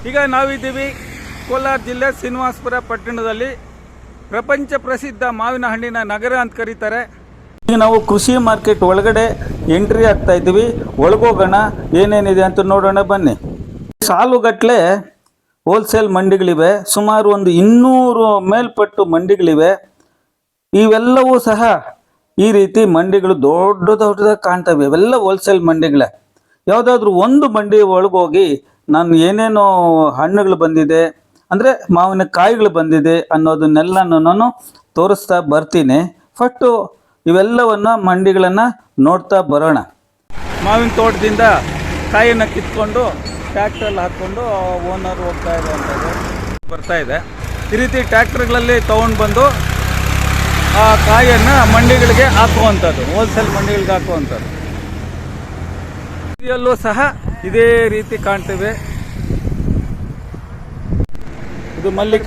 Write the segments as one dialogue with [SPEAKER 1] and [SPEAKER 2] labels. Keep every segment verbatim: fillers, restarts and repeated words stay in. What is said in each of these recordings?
[SPEAKER 1] ಈಗ ನಾವಿದ್ದೀವಿ ಕೋಲಾರ ಜಿಲ್ಲೆ ಶ್ರೀನಿವಾಸಪುರ ಪಟ್ಟಣದಲ್ಲಿ, ಪ್ರಪಂಚ ಪ್ರಸಿದ್ಧ ಮಾವಿನ ಹಣ್ಣಿನ ನಗರ ಅಂತ ಕರೀತಾರೆ. ಈಗ ನಾವು ಕೃಷಿ ಮಾರ್ಕೆಟ್ ಒಳಗಡೆ ಎಂಟ್ರಿ ಆಗ್ತಾ ಇದ್ದೀವಿ. ಒಳಗೋಗೋಣ, ಏನೇನಿದೆ ಅಂತ ನೋಡೋಣ ಬನ್ನಿ. ಸಾಲುಗಟ್ಟಲೆ ಹೋಲ್ಸೇಲ್ ಮಂಡಿಗಳಿವೆ, ಸುಮಾರು ಒಂದು ಇನ್ನೂರು ಮೇಲ್ಪಟ್ಟು ಮಂಡಿಗಳಿವೆ. ಇವೆಲ್ಲವೂ ಸಹ ಈ ರೀತಿ ಮಂಡಿಗಳು ದೊಡ್ಡ ದೊಡ್ಡದಾಗಿ ಕಾಣ್ತವೆ. ಇವೆಲ್ಲ ಹೋಲ್ಸೇಲ್ ಮಂಡಿಗಳೇ. ಯಾವುದಾದ್ರೂ ಒಂದು ಮಂಡಿ ಒಳಗೋಗಿ ನಾನು ಏನೇನೋ ಹಣ್ಣುಗಳು ಬಂದಿದೆ ಅಂದರೆ ಮಾವಿನ ಕಾಯಿಗಳು ಬಂದಿದೆ ಅನ್ನೋದನ್ನೆಲ್ಲನೂ ನಾನು ತೋರಿಸ್ತಾ ಬರ್ತೀನಿ. ಫಸ್ಟು ಇವೆಲ್ಲವನ್ನು ಮಂಡಿಗಳನ್ನು ನೋಡ್ತಾ ಬರೋಣ. ಮಾವಿನ ತೋಟದಿಂದ ಕಾಯಿಯನ್ನು ಕಿತ್ಕೊಂಡು ಟ್ಯಾಕ್ಟ್ರಲ್ಲಿ ಹಾಕ್ಕೊಂಡು ಓನರ್ ಹೋಗ್ತಾ ಇದೆ ಅಂಥದ್ದು ಬರ್ತಾ ಇದೆ. ಈ ರೀತಿ ಟ್ಯಾಕ್ಟ್ರ್ಗಳಲ್ಲಿ ತೊಗೊಂಡು ಬಂದು ಆ ಕಾಯಿಯನ್ನು ಮಂಡಿಗಳಿಗೆ ಹಾಕುವಂಥದ್ದು, ಹೋಲ್ಸೇಲ್ ಮಂಡಿಗಳಿಗೆ ಹಾಕುವಂಥದ್ದು. ಇದರಲ್ಲೂ ಸಹ ಇದೇ ರೀತಿ ಕಾಣ್ತೇವೆ. ಇದು ಮಲ್ಲಿಕ,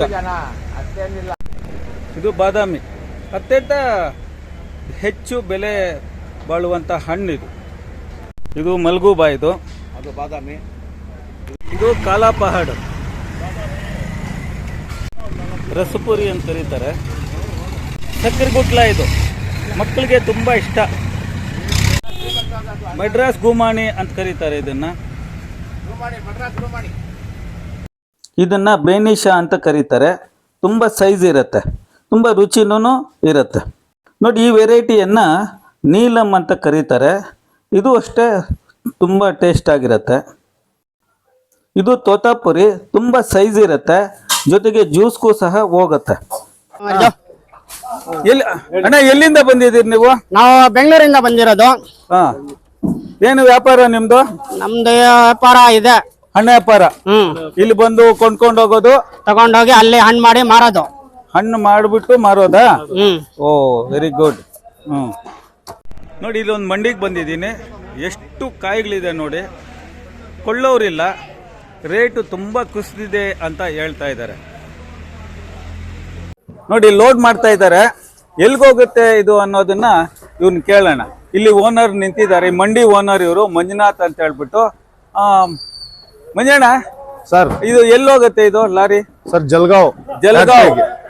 [SPEAKER 1] ಇದು ಬಾದಾಮಿ. ಅತ್ಯಂತ ಹೆಚ್ಚು ಬೆಲೆ ಬಾಳುವಂಥ ಹಣ್ಣಿದು. ಇದು ಮಲ್ಗೂಬಾ, ಇದು ಅದು ಬಾದಾಮಿ. ಇದು ಕಾಲಾಪಹಾಡ್, ರಸಪುರಿ ಅಂತ ಕರೀತಾರೆ. ಸಕ್ಕರೆ ಗುಟ್ಲ, ಇದು ಮಕ್ಕಳಿಗೆ ತುಂಬ ಇಷ್ಟ. ಮಡ್ರಾಸ್ ಗುಮಾಣಿ ಅಂತ ಕರೀತಾರೆ ಇದನ್ನ. ಇದನ್ನ ಬೇನಿಶಾ ಅಂತ ಕರೀತಾರೆ. ತುಂಬ ಸೈಜ್ ಇರುತ್ತೆ, ತುಂಬ ರುಚಿನೂ ಇರುತ್ತೆ. ನೋಡಿ, ಈ ವೆರೈಟಿಯನ್ನ ನೀಲಂ ಅಂತ ಕರೀತಾರೆ. ಇದು ಅಷ್ಟೇ ತುಂಬ ಟೇಸ್ಟ್ ಆಗಿರುತ್ತೆ. ಇದು ತೋತಾಪುರಿ, ತುಂಬ ಸೈಜ್ ಇರುತ್ತೆ, ಜೊತೆಗೆ ಜ್ಯೂಸ್ಗೂ ಸಹ ಹೋಗುತ್ತೆ. ಎಲ್ಲಿ ಅಣ್ಣ, ಎಲ್ಲಿಂದ ಬಂದಿದ್ದೀರಿ ನೀವು?
[SPEAKER 2] ನಾವು ಬೆಂಗಳೂರಿಂದ ಬಂದಿರೋದು.
[SPEAKER 1] ಹಾ, ಏನು ವ್ಯಾಪಾರ ನಿಮ್ದು?
[SPEAKER 2] ನಮ್ದು ವ್ಯಾಪಾರ ಇದೆ,
[SPEAKER 1] ಹಣ್ಣು ವ್ಯಾಪಾರ.
[SPEAKER 2] ಹ್ಮ್
[SPEAKER 1] ಇಲ್ಲಿ ಬಂದು ಕೊಂಡ್ಕೊಂಡು ಹೋಗೋದು,
[SPEAKER 2] ತಗೊಂಡೋಗಿ ಅಲ್ಲಿ ಹಣ್ಣು ಮಾಡಿ ಮಾರೋದು.
[SPEAKER 1] ಹಣ್ಣು ಮಾಡಿಬಿಟ್ಟು ಮಾರೋದಾ?
[SPEAKER 2] ಹ್ಮ್
[SPEAKER 1] ಓ, ವೆರಿ ಗುಡ್. ಹ್ಮ್ ನೋಡಿ, ಇಲ್ಲೊಂದು ಮಂಡಿಗೆ ಬಂದಿದ್ದೀನಿ. ಎಷ್ಟು ಕಾಯಿಗಳಿದೆ ನೋಡಿ. ಕೊಳ್ಳೋರಿಲ್ಲ, ರೇಟು ತುಂಬ ಕುಸಿದಿದೆ ಅಂತ ಹೇಳ್ತಾ ಇದ್ದಾರೆ. ನೋಡಿ, ಲೋಡ್ ಮಾಡ್ತಾ ಇದ್ದಾರೆ. ಎಲ್ಗೋಗುತ್ತೆ ಇದು ಅನ್ನೋದನ್ನ ಇವ್ನ ಕೇಳೋಣ. ಇಲ್ಲಿ ಓನರ್ ನಿಂತಿದ್ದಾರೆ, ಮಂಡಿ ಓನರ್ ಇವರು, ಮಂಜುನಾಥ್ ಅಂತ ಹೇಳ್ಬಿಟ್ಟು. ಮಂಜಣ್ಣ
[SPEAKER 3] ಸರ್,
[SPEAKER 1] ಇದು ಎಲ್ಲೋಗುತ್ತೆ ಇದು ಲಾರಿ?
[SPEAKER 3] ಸರ್, ಜಲ್ಗಾಂವ್.
[SPEAKER 1] ಜಲ್ಗಾಂವ್,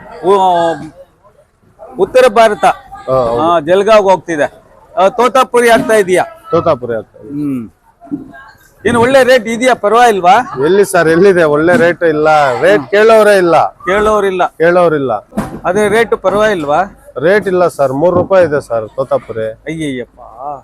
[SPEAKER 1] ಉತ್ತರ ಭಾರತ. ಜಲ್ಗಾಂವ್ ಹೋಗ್ತಿದೆ. ತೋತಾಪುರಿ ಆಗ್ತಾ ಇದೆಯಾ?
[SPEAKER 3] ತೋತಾಪುರಿ ಆಗ್ತಾ ಇದೆ.
[SPEAKER 1] ಹ್ಮ್ ಏನು ಒಳ್ಳೆ ರೇಟ್ ಇದೆಯಾ? ಪರವಾಗಿಲ್ವಾ?
[SPEAKER 3] ಎಲ್ಲಿ ಸರ್, ಎಲ್ಲಿದೆ ಒಳ್ಳೆ ರೇಟ್? ಇಲ್ಲ, ರೇಟ್ ಕೇಳೋರೇ ಇಲ್ಲ,
[SPEAKER 1] ಕೇಳೋರಿಲ್ಲ
[SPEAKER 3] ಕೇಳೋರಿಲ್ಲ.
[SPEAKER 1] ಅದೇ ರೇಟ್ ಪರವಾಗಿಲ್ವಾ?
[SPEAKER 3] ರೇಟ್ ಇಲ್ಲ ಸರ್, ಮೂರ್ ರೂಪಾಯಿ ಇದೆ ಸರ್ ತೋತಾಪುರಿ.
[SPEAKER 1] ಅಯ್ಯಯ್ಯಪ್ಪ.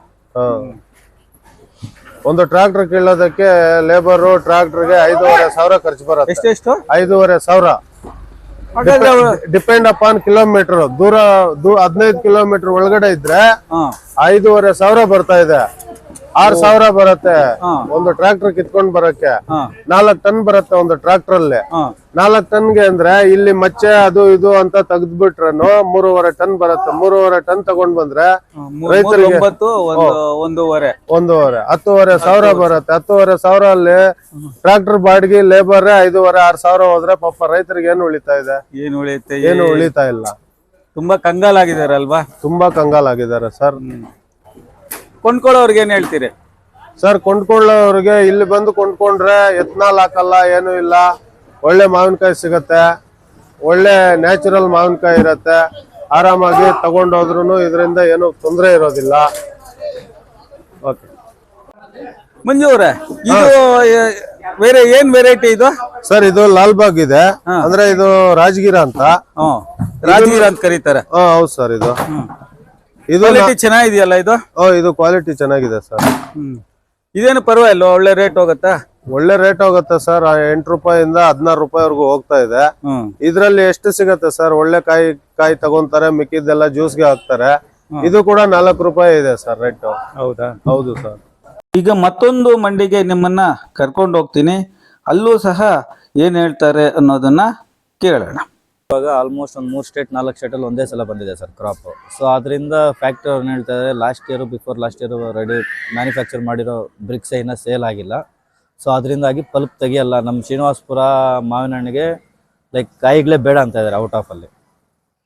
[SPEAKER 3] ಒಂದು ಟ್ರಾಕ್ಟರ್ ಕೀಳೋದಕ್ಕೆ ಲೇಬರು ಟ್ರಾಕ್ಟರ್ಗೆ ಐದೂವರೆ ಸಾವಿರ ಖರ್ಚು ಬರುತ್ತೆ.
[SPEAKER 1] ಎಷ್ಟೆಷ್ಟು?
[SPEAKER 3] ಐದೂವರೆ ಸಾವಿರ. Depend upon kilometre. ದೂರ ಹದಿನೈದು ಕಿಲೋಮೀಟರ್ ಒಳಗಡೆ ಇದ್ರೆ ಐದೂವರೆ ಸಾವಿರ ಬರ್ತಾ ಇದೆ. ಆರ್ ಸಾವಿರ ಬರುತ್ತೆ ಒಂದು ಟ್ರಾಕ್ಟರ್ ಕಿತ್ಕೊಂಡ್ ಬರಕ್ಕೆ. ನಾಲ್ಕ್ ಟನ್ ಬರುತ್ತೆ ಒಂದು ಟ್ರಾಕ್ಟರ್ ಅಲ್ಲಿ. ನಾಲ್ಕ್ ಟನ್ಗೆ ಅಂದ್ರೆ ಇಲ್ಲಿ ಮಚ್ಚೆ ಅದು ಇದು ಅಂತ ತೆಗೆದ್ಬಿಟ್ರೇನು ಮೂರುವರೆ ಟನ್ ಬರುತ್ತೆ. ಮೂರುವರೆ ಟನ್ ತಗೊಂಡ್ ಬಂದ್ರೆ ರೈತರಿಗೆ
[SPEAKER 1] ಒಂದೂವರೆ
[SPEAKER 3] ಒಂದೂವರೆ ಹತ್ತುವರೆ ಸಾವಿರ ಬರುತ್ತೆ. ಹತ್ತುವರೆ ಸಾವಿರ ಅಲ್ಲಿ ಟ್ರಾಕ್ಟರ್ ಬಾಡಿಗೆ ಲೇಬರ್ ಐದೂವರೆ ಆರ್ ಸಾವಿರ ಹೋದ್ರೆ ಪಾಪ ರೈತರಿಗೆ ಏನು ಉಳಿತಾ ಇದೆ?
[SPEAKER 1] ಏನು ಉಳಿಯುತ್ತೆ?
[SPEAKER 3] ಏನು ಉಳಿತಾ ಇಲ್ಲ.
[SPEAKER 1] ತುಂಬಾ ಕಂಗಾಲಾಗಿದಾರಲ್ವಾ?
[SPEAKER 3] ತುಂಬಾ ಕಂಗಾಲಾಗಿದ್ದಾರೆ ಸರ್.
[SPEAKER 1] ಕೊಂಡ್ಕೊಳ್ಳೋರ್ಗೆ ಏನ್ ಹೇಳ್ತೀರಿ
[SPEAKER 3] ಸರ್? ಕೊಂಡ್ಕೊಳ್ಳೋರ್ಗೆ ಇಲ್ಲಿ ಬಂದು ಕೊಂಡ್ಕೊಂಡ್ರೆ ಎತ್ನಾಲ್ ಹಾಕಲ್ಲ, ಏನು ಇಲ್ಲ. ಒಳ್ಳೆ ಮಾವಿನಕಾಯಿ ಸಿಗತ್ತೆ, ಒಳ್ಳೆ ನ್ಯಾಚುರಲ್ ಮಾವಿನಕಾಯಿ ಇರತ್ತೆ. ಆರಾಮಾಗಿ ತಗೊಂಡೋದ್ರು ಇದರಿಂದ ಏನು ತೊಂದರೆ ಇರೋದಿಲ್ಲ. ಓಕೆ
[SPEAKER 1] ಮಂಜು ಅವರೇ, ಇದು ಬೇರೆ ಏನ್ ವೆರೈಟಿ ಇದು?
[SPEAKER 3] ಸರ್, ಇದು ಲಾಲ್ಬಾಗ್ ಇದೆ, ಅಂದ್ರೆ ಇದು ರಾಜಗಿರ ಅಂತ.
[SPEAKER 1] ರಾಜಗಿರ ಅಂತ ಕರೀತಾರೆ.
[SPEAKER 3] ಹೌದು ಸರ್. ಇದು
[SPEAKER 1] ಇದು ಚೆನ್ನಾಗಿದೆಯಲ್ಲ ಇದು?
[SPEAKER 3] ಇದು ಕ್ವಾಲಿಟಿ ಚೆನ್ನಾಗಿದೆ ಸರ್.
[SPEAKER 1] ಇದೇನು ಪರವಾಗಿಲ್ಲ, ಒಳ್ಳೆ ರೇಟ್ ಹೋಗತ್ತಾ?
[SPEAKER 3] ಒಳ್ಳೆ ರೇಟ್ ಹೋಗುತ್ತೆ ಸರ್. ಎಂಟು ರೂಪಾಯಿಂದ ಹದಿನಾರು ರೂಪಾಯಿವರೆಗೂ ಹೋಗ್ತಾ ಇದೆ. ಇದ್ರಲ್ಲಿ ಎಷ್ಟು ಸಿಗತ್ತೆ ಸರ್? ಒಳ್ಳೆ ಕಾಯಿ ಕಾಯಿ ತಗೊಂತಾರೆ, ಮಿಕ್ಕಿದ್ದೆಲ್ಲ ಜ್ಯೂಸ್ಗೆ ಹಾಕ್ತಾರೆ. ಇದು ಕೂಡ ನಾಲ್ಕು ರೂಪಾಯಿ ಇದೆ ಸರ್ ರೇಟ್.
[SPEAKER 1] ಹೌದಾ?
[SPEAKER 3] ಹೌದು ಸರ್.
[SPEAKER 1] ಈಗ ಮತ್ತೊಂದು ಮಂಡಿಗೆ ನಿಮ್ಮನ್ನ ಕರ್ಕೊಂಡು ಹೋಗ್ತೀನಿ. ಅಲ್ಲೂ ಸಹ ಏನ್ ಹೇಳ್ತಾರೆ ಅನ್ನೋದನ್ನ ಕೇಳೋಣ.
[SPEAKER 4] ಇವಾಗ ಆಲ್ಮೋಸ್ಟ್ ಒಂದು ಮೂರು ಸ್ಟೇಟ್ ನಾಲ್ಕು ಸ್ಟೇಟಲ್ಲಿ ಒಂದೇ ಸಲ ಬಂದಿದೆ ಸರ್ ಕ್ರಾಪ್. ಸೊ ಅದರಿಂದ ಫ್ಯಾಕ್ಟ್ರಿ ಅವ್ರು ಹೇಳ್ತಾ ಇದ್ದಾರೆ last year before last year ready manufacture ಮಾಡಿರೋ ಬ್ರಿಕ್ಸ್ ಇನ್ನೂ ಸೇಲ್ ಆಗಿಲ್ಲ. ಸೊ ಅದರಿಂದಾಗಿ ಪಲ್ಪ್ ತೆಗಿಯಲ್ಲ. ನಮ್ಮ ಶ್ರೀನಿವಾಸಪುರ ಮಾವಿನ ಹಣ್ಣಿಗೆ ಲೈಕ್ ಕಾಯಿಗಳೇ ಬೇಡ ಅಂತ ಇದ್ದಾರೆ ಔಟ್ ಆಫ್ ಅಲ್ಲಿ.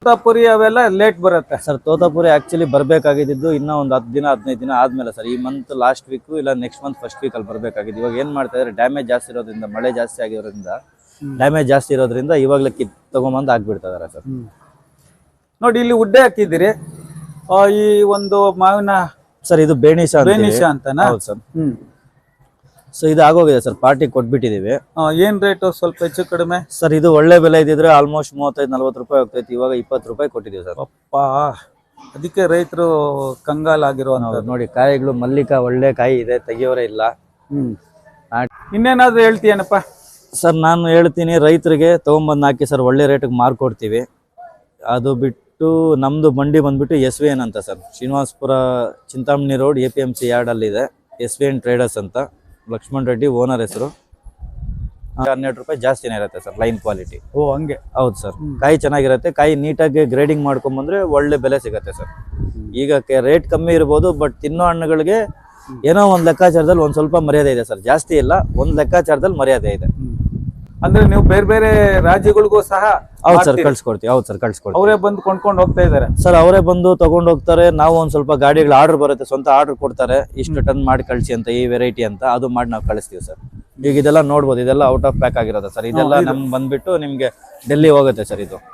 [SPEAKER 1] ತೋತಾಪುರಿ ಅವೆಲ್ಲ ಲೇಟ್ ಬರುತ್ತೆ.
[SPEAKER 4] ಸರ್ ತೋತಾಪುರಿ ಆಕ್ಚುಲಿ ಬರಬೇಕಾಗಿದ್ದು ಇನ್ನೂ ಒಂದು ಹತ್ತು ದಿನ ಹದಿನೈದು ದಿನ ಆದ್ಮೇಲೆ ಸರ್. ಈ ಮಂತ್ ಲಾಸ್ಟ್ ವೀಕು ಇಲ್ಲ ನೆಕ್ಸ್ಟ್ ಮಂತ್ ಫಸ್ಟ್ ವೀಕ್ ಅಲ್ಲಿ ಬರಬೇಕಾಗಿದ್ದು. ಇವಾಗ ಏನ್ ಮಾಡ್ತಾ ಇದ್ದಾರೆ, ಡ್ಯಾಮೇಜ್ ಜಾಸ್ತಿ ಇರೋದ್ರಿಂದ, ಮಳೆ ಜಾಸ್ತಿ ಆಗಿರೋದ್ರಿಂದ, ಡ್ಯಾಮೇಜ್ ಜಾಸ್ತಿ ಇರೋದ್ರಿಂದ ಇವಾಗಲೇ ಕಿತ್ ತಗೊಂಬಂದು ಹಾಕ್ಬಿಡ್ತಾ ಇದಾರೆ ಸರ್.
[SPEAKER 1] ನೋಡಿ ಇಲ್ಲಿ ಉಡ್ಡೆ ಹಾಕಿದಿರಿ. ಆ, ಈ ಒಂದು ಮಾವಿನ
[SPEAKER 4] ಸರ್ ಇದು ಬೇಣಿಶ
[SPEAKER 1] ಬೇನಿಶ ಅಂತನಾ?
[SPEAKER 4] ಹೌದು ಸರ್.
[SPEAKER 1] ಹ್ಮ್.
[SPEAKER 4] ಸೊ ಇದು ಆಗೋಗಿದೆ ಸರ್, ಪಾರ್ಟಿ ಕೊಟ್ಬಿಟ್ಟಿದೀವಿ.
[SPEAKER 1] ಆ, ಏನ್ ರೇಟು ಸ್ವಲ್ಪ ಹೆಚ್ಚು ಕಡಿಮೆ?
[SPEAKER 4] ಸರ್ ಇದು ಒಳ್ಳೆ ಬೆಲೆ ಇದ್ದಿದ್ರೆ ಆಲ್ಮೋಸ್ಟ್ ಮೂವತ್ತೈದು ನಲ್ವತ್ತು ರೂಪಾಯಿ ಹೋಗ್ತೈತಿ. ಇವಾಗ ಇಪ್ಪತ್ತು ರೂಪಾಯಿ ಕೊಟ್ಟಿದ್ದೀವಿ ಸರ್.
[SPEAKER 1] ಅಪ್ಪ, ಅದಕ್ಕೆ ರೈತರು ಕಂಗಾಲಾಗಿರುವಂತ.
[SPEAKER 4] ನೋಡಿ ಕಾಯಿಗಳು ಮಲ್ಲಿಕಾ ಒಳ್ಳೆ ಕಾಯಿ ಇದೆ, ತೆಗಿಯೋರೇ ಇಲ್ಲ.
[SPEAKER 1] ಹ್ಮ್. ಇನ್ನೇನಾದ್ರೂ ಹೇಳ್ತೀಯನಪ್ಪ?
[SPEAKER 4] ಸರ್ ನಾನು ಹೇಳ್ತೀನಿ, ರೈತರಿಗೆ ತಗೊಂಬಂದು ಹಾಕಿ ಸರ್, ಒಳ್ಳೆ ರೇಟಿಗೆ ಮಾರ್ಕೊಡ್ತೀವಿ. ಅದು ಬಿಟ್ಟು ನಮ್ದು ಮಂಡಿ ಬಂದ್ಬಿಟ್ಟು ಎಸ್ ವಿ ಎನ್ ಅಂತ sir, Srinivasapura Chintamani road A P M C yard ಅಲ್ಲಿ ಇದೆ. ಎಸ್ ವಿ ಎನ್ ಟ್ರೇಡರ್ಸ್ ಅಂತ, ಲಕ್ಷ್ಮಣ್ ರೆಡ್ಡಿ ಓನರ್ ಹೆಸರು. ಹನ್ನೆರಡು ರೂಪಾಯಿ ಜಾಸ್ತಿನೇ ಇರುತ್ತೆ ಸರ್ ಲೈನ್ ಕ್ವಾಲಿಟಿ.
[SPEAKER 1] ಓ ಹಂಗೆ?
[SPEAKER 4] ಹೌದು ಸರ್. ಕಾಯಿ ಚೆನ್ನಾಗಿರುತ್ತೆ, ಕಾಯಿ ನೀಟಾಗಿ ಗ್ರೇಡಿಂಗ್ ಮಾಡ್ಕೊಂಬಂದ್ರೆ ಒಳ್ಳೆ ಬೆಲೆ ಸಿಗುತ್ತೆ ಸರ್. ಈಗ ರೇಟ್ ಕಮ್ಮಿ ಇರ್ಬೋದು, ಬಟ್ ತಿನ್ನೋ ಹಣ್ಣುಗಳಿಗೆ ಏನೋ ಒಂದು ಲೆಕ್ಕಾಚಾರದಲ್ಲಿ ಒಂದ್ ಸ್ವಲ್ಪ ಮರ್ಯಾದೆ ಇದೆ ಸರ್, ಜಾಸ್ತಿ ಇಲ್ಲ, ಒಂದ್ ಲೆಕ್ಕಾಚಾರದಲ್ಲಿ ಮರ್ಯಾದೆ ಇದೆ.
[SPEAKER 1] ಅಂದ್ರೆ ನೀವು ಬೇರೆ ಬೇರೆ ರಾಜ್ಯಗಳಿಗೂ ಸಹ
[SPEAKER 4] ಹೌದು ಸರ್ ಕಳ್ಸಿಕೊಡ್ತೀವಿ. ಹೌದು ಸರ್ ಕಳ್ಸಿಕೊಡ್ತೀವಿ.
[SPEAKER 1] ಅವರೇ ಬಂದು ಕೊಂಡ್ಕೊಂಡು ಹೋಗ್ತಾ ಇದಾರೆ
[SPEAKER 4] ಸರ್, ಅವರೇ ಬಂದು ತಗೊಂಡು ಹೋಗ್ತಾರೆ. ನಾವು ಒಂದ್ ಸ್ವಲ್ಪ ಗಾಡಿಗಳ ಆರ್ಡರ್ ಬರುತ್ತೆ, ಸ್ವಂತ ಆರ್ಡರ್ ಕೊಡ್ತಾರೆ, ಇಷ್ಟು ಟನ್ ಮಾಡಿ ಕಳಿಸಿ ಅಂತ, ಈ ವೆರೈಟಿ ಅಂತ, ಅದು ಮಾಡಿ ನಾವು ಕಳಿಸ್ತೀವಿ ಸರ್. ಈಗ ಇದೆಲ್ಲ ನೋಡ್ಬೋದು, ಇದೆಲ್ಲ ಔಟ್ ಆಫ್ ಪ್ಯಾಕ್ ಆಗಿರೋದು ಸರ್. ಇದೆಲ್ಲ ನಮ್ಗೆ ಬಂದ್ಬಿಟ್ಟು ನಿಮ್ಗೆ ಡೆಲ್ಲಿ ಹೋಗುತ್ತೆ ಸರ್ ಇದು.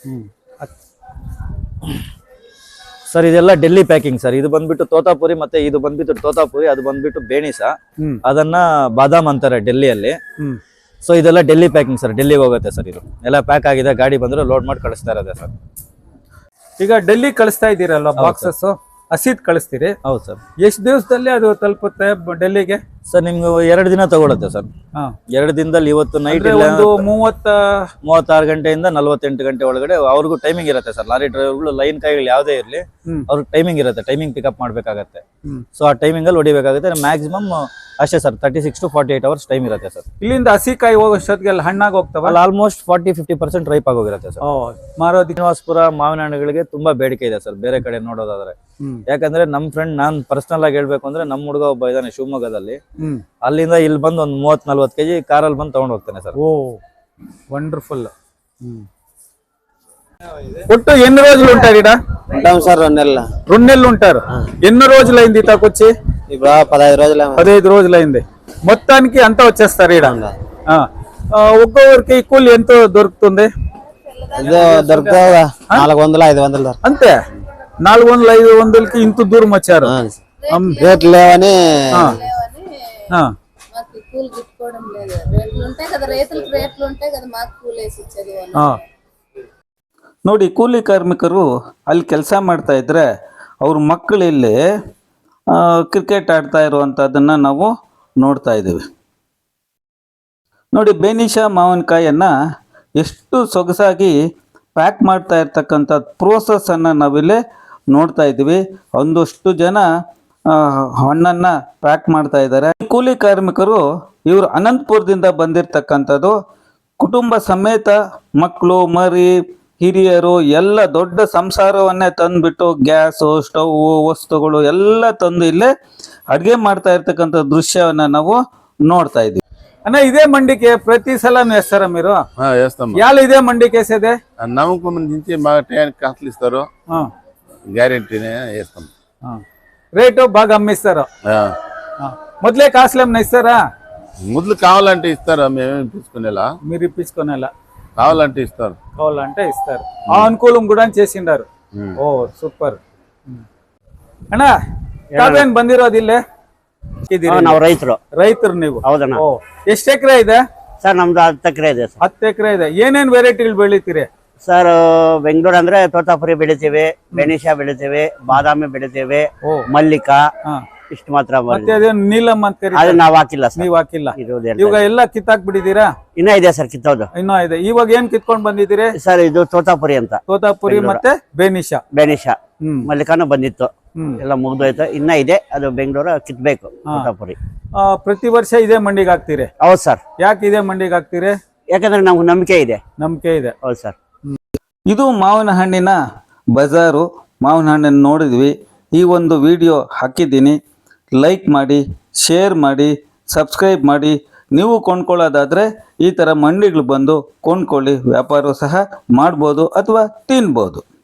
[SPEAKER 4] ಸರ್ ಇದೆಲ್ಲ ಡೆಲ್ಲಿ ಪ್ಯಾಕಿಂಗ್ ಸರ್. ಇದು ಬಂದ್ಬಿಟ್ಟು ತೋತಾಪುರಿ, ಮತ್ತೆ ಇದು ಬಂದ್ಬಿಟ್ಟು ತೋತಾಪುರಿ, ಅದು ಬಂದ್ಬಿಟ್ಟು ಬೇಣಿಸ, ಅದನ್ನ ಬಾದಾಮ್ ಅಂತಾರೆ ಡೆಲ್ಲಿಯಲ್ಲಿ. ಸೊ ಇದೆಲ್ಲ ಡೆಲ್ಲಿ ಪ್ಯಾಕಿಂಗ್ ಸರ್, ಡೆಲ್ಲಿಗೆ ಹೋಗುತ್ತೆ ಸರ್. ಇದು ಎಲ್ಲ ಪ್ಯಾಕ್ ಆಗಿದೆ, ಗಾಡಿ ಬಂದ್ರೆ ಲೋಡ್ ಮಾಡಿ ಕಳಿಸ್ತಾ ಇರೋದೆ ಸರ್.
[SPEAKER 1] ಈಗ ಡೆಲ್ಲಿ ಕಳಿಸ್ತಾ ಇದ್ದೀರಲ್ಲ ಬಾಕ್ಸಸ್, ಹಸಿದ್ ಕಳಿಸ್ತೀರಿ?
[SPEAKER 4] ಹೌದು ಸರ್.
[SPEAKER 1] ಎಷ್ಟು ದಿವಸದಲ್ಲಿ ಅದು ತಲುಪುತ್ತೆ ಡೆಲ್ಲಿಗೆ?
[SPEAKER 4] ಸರ್ ನಿಮ್ಗೆ ಎರಡು ದಿನ ತಗೊಳುತ್ತೆ ಸರ್. ಎರಡು ದಿನದಲ್ಲಿ ಇವತ್ತು ನೈಟ್
[SPEAKER 1] ಒಂದು ಮೂವತ್ತ
[SPEAKER 4] ಮೂವತ್ತಾರು ಗಂಟೆಯಿಂದ ನಲ್ವತ್ತೆಂಟು ಗಂಟೆ ಒಳಗಡೆ ಅವ್ರಿಗೂ ಟೈಮಿಂಗ್ ಇರುತ್ತೆ ಸರ್. ಲಾರಿ ಡ್ರೈವರ್ಗಳು ಲೈನ್ ಕಾಯಿಗಳು ಯಾವುದೇ ಇರಲಿ, ಅವ್ರಿಗೆ ಟೈಮಿಂಗ್ ಇರುತ್ತೆ, ಟೈಮಿಂಗ್ ಪಿಕಪ್ ಮಾಡ್ಬೇಕಾಗತ್ತೆ. ಸೊ ಆ ಟೈಮಿಂಗ್ ಅಲ್ಲಿ ಹೊಡಿಬೇಕಾಗುತ್ತೆ. ಮ್ಯಾಕ್ಸಿಮಮ್ ಅಷ್ಟೇ sir, thirty six to forty eight hours time ಇರುತ್ತೆ ಸರ್.
[SPEAKER 1] ಇಲ್ಲಿಂದ ಹಸಿಕಾಯಿ ಹೋಗೋಷ್ಟೊತ್ತಿಗೆಲ್ಲ ಹಣ್ಣಾಗಿ ಹೋಗ್ತಾವಲ್ಲ?
[SPEAKER 4] Almost forty fifty percent ripe ಆಗೋಗಿರುತ್ತೆ ಸರ್.
[SPEAKER 1] ಮಾರೋದಿ
[SPEAKER 4] ಶ್ರೀನಿವಾಸಪುರ ಮಾವಿನ ಹಣ್ಣುಗಳಿಗೆ ತುಂಬಾ ಬೇಡಿಕೆ ಇದೆ ಸರ್, ಬೇರೆ ಕಡೆ ನೋಡೋದಾದ್ರೆ. ಯಾಕಂದ್ರೆ ನಮ್ ಫ್ರೆಂಡ್, ನಾನ್ ಪರ್ಸನಲ್ ಆಗಿ ಹೇಳ್ಬೇಕು ಅಂದ್ರೆ, ನಮ್ ಹುಡುಗ ಒಬ್ಬ ಇದ್ದಾನೆ ಶಿವಮೊಗ್ಗದಲ್ಲಿ, ಅಲ್ಲಿಂದ ಇಲ್ಲಿ ಬಂದು ಒಂದ್ ಮೂವತ್ ನಲ್ವತ್ ಕೆಜಿ ಕಾರಲ್ಲಿ ಬಂದು ತಗೊಂಡ್ ಹೋಗ್ತಾನೆ ಸರ್.
[SPEAKER 1] ಓ ವಂಡರ್ಫುಲ್. ఒట్టు ఎన్ని రోజులు ఉంటారు ఇక్కడ?
[SPEAKER 5] ఉంటాం సార్ రెండు నెలలు.
[SPEAKER 1] రెండు నెలలు ఉంటారు. ఎన్ని రోజులైంది ఇతకొచ్చి?
[SPEAKER 5] ఇప్పుడు పదహైదు రోజులు.
[SPEAKER 1] పదహైదు రోజులైంది. మొత్తానికి అంతా వచ్చేస్తారు ఇక్కడ. ఒక్కొక్కరికి కూలి ఎంతో దొరుకుతుంది?
[SPEAKER 5] దొరుకుతావు నాలుగు వందలు ఐదు వందలు
[SPEAKER 1] అంతే. నాలుగు వందలు ఐదు వందలకి ఇంత దూరం వచ్చారు.
[SPEAKER 5] రేట్లు లేవని
[SPEAKER 6] కూలి గిట్టుకోవడం లేదు. రేట్లు ఉంటాయి కదా, రైతులకు రేట్లు ఉంటాయి కదా, మాకు కూలి వేసి ఇచ్చేది.
[SPEAKER 1] ನೋಡಿ, ಕೂಲಿ ಕಾರ್ಮಿಕರು ಅಲ್ಲಿ ಕೆಲಸ ಮಾಡ್ತಾ ಇದ್ರೆ ಅವ್ರ ಮಕ್ಕಳು ಇಲ್ಲಿ ಕ್ರಿಕೆಟ್ ಆಡ್ತಾ ಇರುವಂಥದ್ದನ್ನು ನಾವು ನೋಡ್ತಾ ಇದ್ದೀವಿ. ನೋಡಿ, ಬೇನಿಶ ಮಾವಿನಕಾಯನ್ನು ಎಷ್ಟು ಸೊಗಸಾಗಿ ಪ್ಯಾಕ್ ಮಾಡ್ತಾ ಇರ್ತಕ್ಕಂಥ ಪ್ರೋಸೆಸ್ಸನ್ನು ನಾವಿಲ್ಲಿ ನೋಡ್ತಾ ಇದ್ದೀವಿ. ಒಂದಷ್ಟು ಜನ ಹಣ್ಣನ್ನು ಪ್ಯಾಕ್ ಮಾಡ್ತಾ ಇದ್ದಾರೆ. ಕೂಲಿ ಕಾರ್ಮಿಕರು ಇವರು ಅನಂತಪುರದಿಂದ ಬಂದಿರತಕ್ಕಂಥದ್ದು. ಕುಟುಂಬ ಸಮೇತ ಮಕ್ಕಳು ಮರಿ ಹಿರಿಯರು ಎಲ್ಲ ದೊಡ್ಡ ಸಂಸಾರವನ್ನೇ ತಂದುಬಿಟ್ಟು ಗ್ಯಾಸು ಸ್ಟವ್ ವಸ್ತುಗಳು ಎಲ್ಲ ತಂದು ಇಲ್ಲೇ ಅಡುಗೆ ಮಾಡ್ತಾ ఇರ್ತಕ್ಕಂಥ దృశ్యವನ್ನು ನಾವು ನೋಡ್ತಾ ఇದ್ದೀವಿ. అన్న ఇదే మండికి ప్రతి సలం వేస్తారా మీరు?
[SPEAKER 7] వేస్తాం.
[SPEAKER 1] యాల ఇదే మండికి వేసేదే?
[SPEAKER 7] నమ్మకం నుంచి మా టైంకి కాసులు ఇస్తారు, గ్యారెంటీనే వేస్తాం.
[SPEAKER 1] రేటు బాగా అమ్మిస్తారు. మొదలే కాసులు ఏమన్నా ఇస్తారా?
[SPEAKER 7] ముద్దులు కావాలంటే ఇస్తారు, మేమేమి ఇప్పించుకునేలా.
[SPEAKER 1] మీరు ఇప్పించుకునేలా?
[SPEAKER 7] కావాలంటే ఇస్తారు.
[SPEAKER 1] కావాలంటే ఇస్తారు. ఆ అనుకూలం కూడా చేసిండారు. ఓ సూపರ್. ಅಣ್ಣ ತಾವೇನ್ ಬಂದಿರೋದು ಇಲ್ಲೇ?
[SPEAKER 2] ನಾವು ರೈತರು.
[SPEAKER 1] ರೈತರು ನೀವು?
[SPEAKER 2] ಹೌದಣ್ಣ.
[SPEAKER 1] ಎಷ್ಟು ಎಕರೆ ಇದೆ
[SPEAKER 2] ಸರ್? ನಮ್ದು ಹತ್ತು ಎಕರೆ ಇದೆ ಸರ್.
[SPEAKER 1] ಹತ್ತು ಎಕರೆ ಇದೆ. ಏನೇನ್ ವೆರೈಟಿಗಳು ಬೆಳಿತೀರಿ
[SPEAKER 2] ಸರ್? ಬೆಂಗಳೂರು ಅಂದ್ರೆ ತೋತಾಪುರಿ ಬೆಳಿತೀವಿ, ಬೆನಿಶ ಬೆಳಿತೀವಿ, ಬಾದಾಮಿ ಬೆಳಿತೀವಿ, ಮಲ್ಲಿಕಾ, ಇಷ್ಟು ಮಾತ್ರ.
[SPEAKER 1] ಮತ್ತೆ ಅದೇನು ನೀಲಮ್ ಅಂತ ಕರೀತಾರೆ,
[SPEAKER 2] ಅದು ನಾವ್ ಹಾಕಿಲ್ಲ ಸರ್.
[SPEAKER 1] ನೀವ್ ಹಾಕಿಲ್ಲ? ಇವಾಗ ಎಲ್ಲ ಕಿತ್ತಾಕ್ ಬಿಟ್ಟಿದ್ದೀರಾ?
[SPEAKER 2] ಇನ್ನ ಇದೆ ಸರ್ ಕಿತ್ತೋದು.
[SPEAKER 1] ಇನ್ನೂ ಇದೆ. ಇವಾಗ ಏನ್ ಕಿತ್ಕೊಂಡ್ ಬಂದಿದ್ದೀರಿ
[SPEAKER 2] ಸರ್? ಇದು ತೋತಾಪುರಿ ಅಂತ.
[SPEAKER 1] ತೋತಾಪುರಿ ಮತ್ತೆ ಬೇನಿಶ.
[SPEAKER 2] ಬೇನಿಶ, ಮಲ್ಲಿಕಾನು ಬಂದಿತ್ತು, ಎಲ್ಲ ಮುಗ್ದೋಯ್ತು. ಇನ್ನ ಇದೆ, ಅದು ಬೆಂಗಳೂರು ಕಿತ್ಬೇಕು ತೋತಾಪುರಿ.
[SPEAKER 1] ಪ್ರತಿ ವರ್ಷ ಇದೇ ಮಂಡಿಗೆ ಹಾಕ್ತೀರಿ?
[SPEAKER 2] ಹೌದು ಸರ್.
[SPEAKER 1] ಯಾಕೆ ಇದೇ ಮಂಡಿಗೆ ಹಾಕ್ತೀರಿ?
[SPEAKER 2] ಯಾಕಂದ್ರೆ ನಮ್ಗೆ ನಂಬಿಕೆ ಇದೆ.
[SPEAKER 1] ನಂಬಿಕೆ ಇದೆ.
[SPEAKER 2] ಹೌದು ಸರ್.
[SPEAKER 1] ಇದು ಮಾವಿನ ಹಣ್ಣಿನ ಬಜಾರು. ಮಾವಿನ ಹಣ್ಣನ್ನು ನೋಡಿದ್ವಿ. ಈ ಒಂದು ವಿಡಿಯೋ ಹಾಕಿದ್ದೀನಿ. ಲೈಕ್ ಮಾಡಿ, ಶೇರ್ ಮಾಡಿ, ಸಬ್ಸ್ಕ್ರೈಬ್ ಮಾಡಿ. ನೀವು ಕೊಂಡ್ಕೊಳ್ಳೋದಾದರೆ ಈ ಥರ ಮಂಡಿಗಳು ಬಂದು ಕೊಂಡ್ಕೊಳ್ಳಿ, ವ್ಯಾಪಾರ ಸಹ ಮಾಡ್ಬೋದು ಅಥವಾ ತಿನ್ಬೋದು.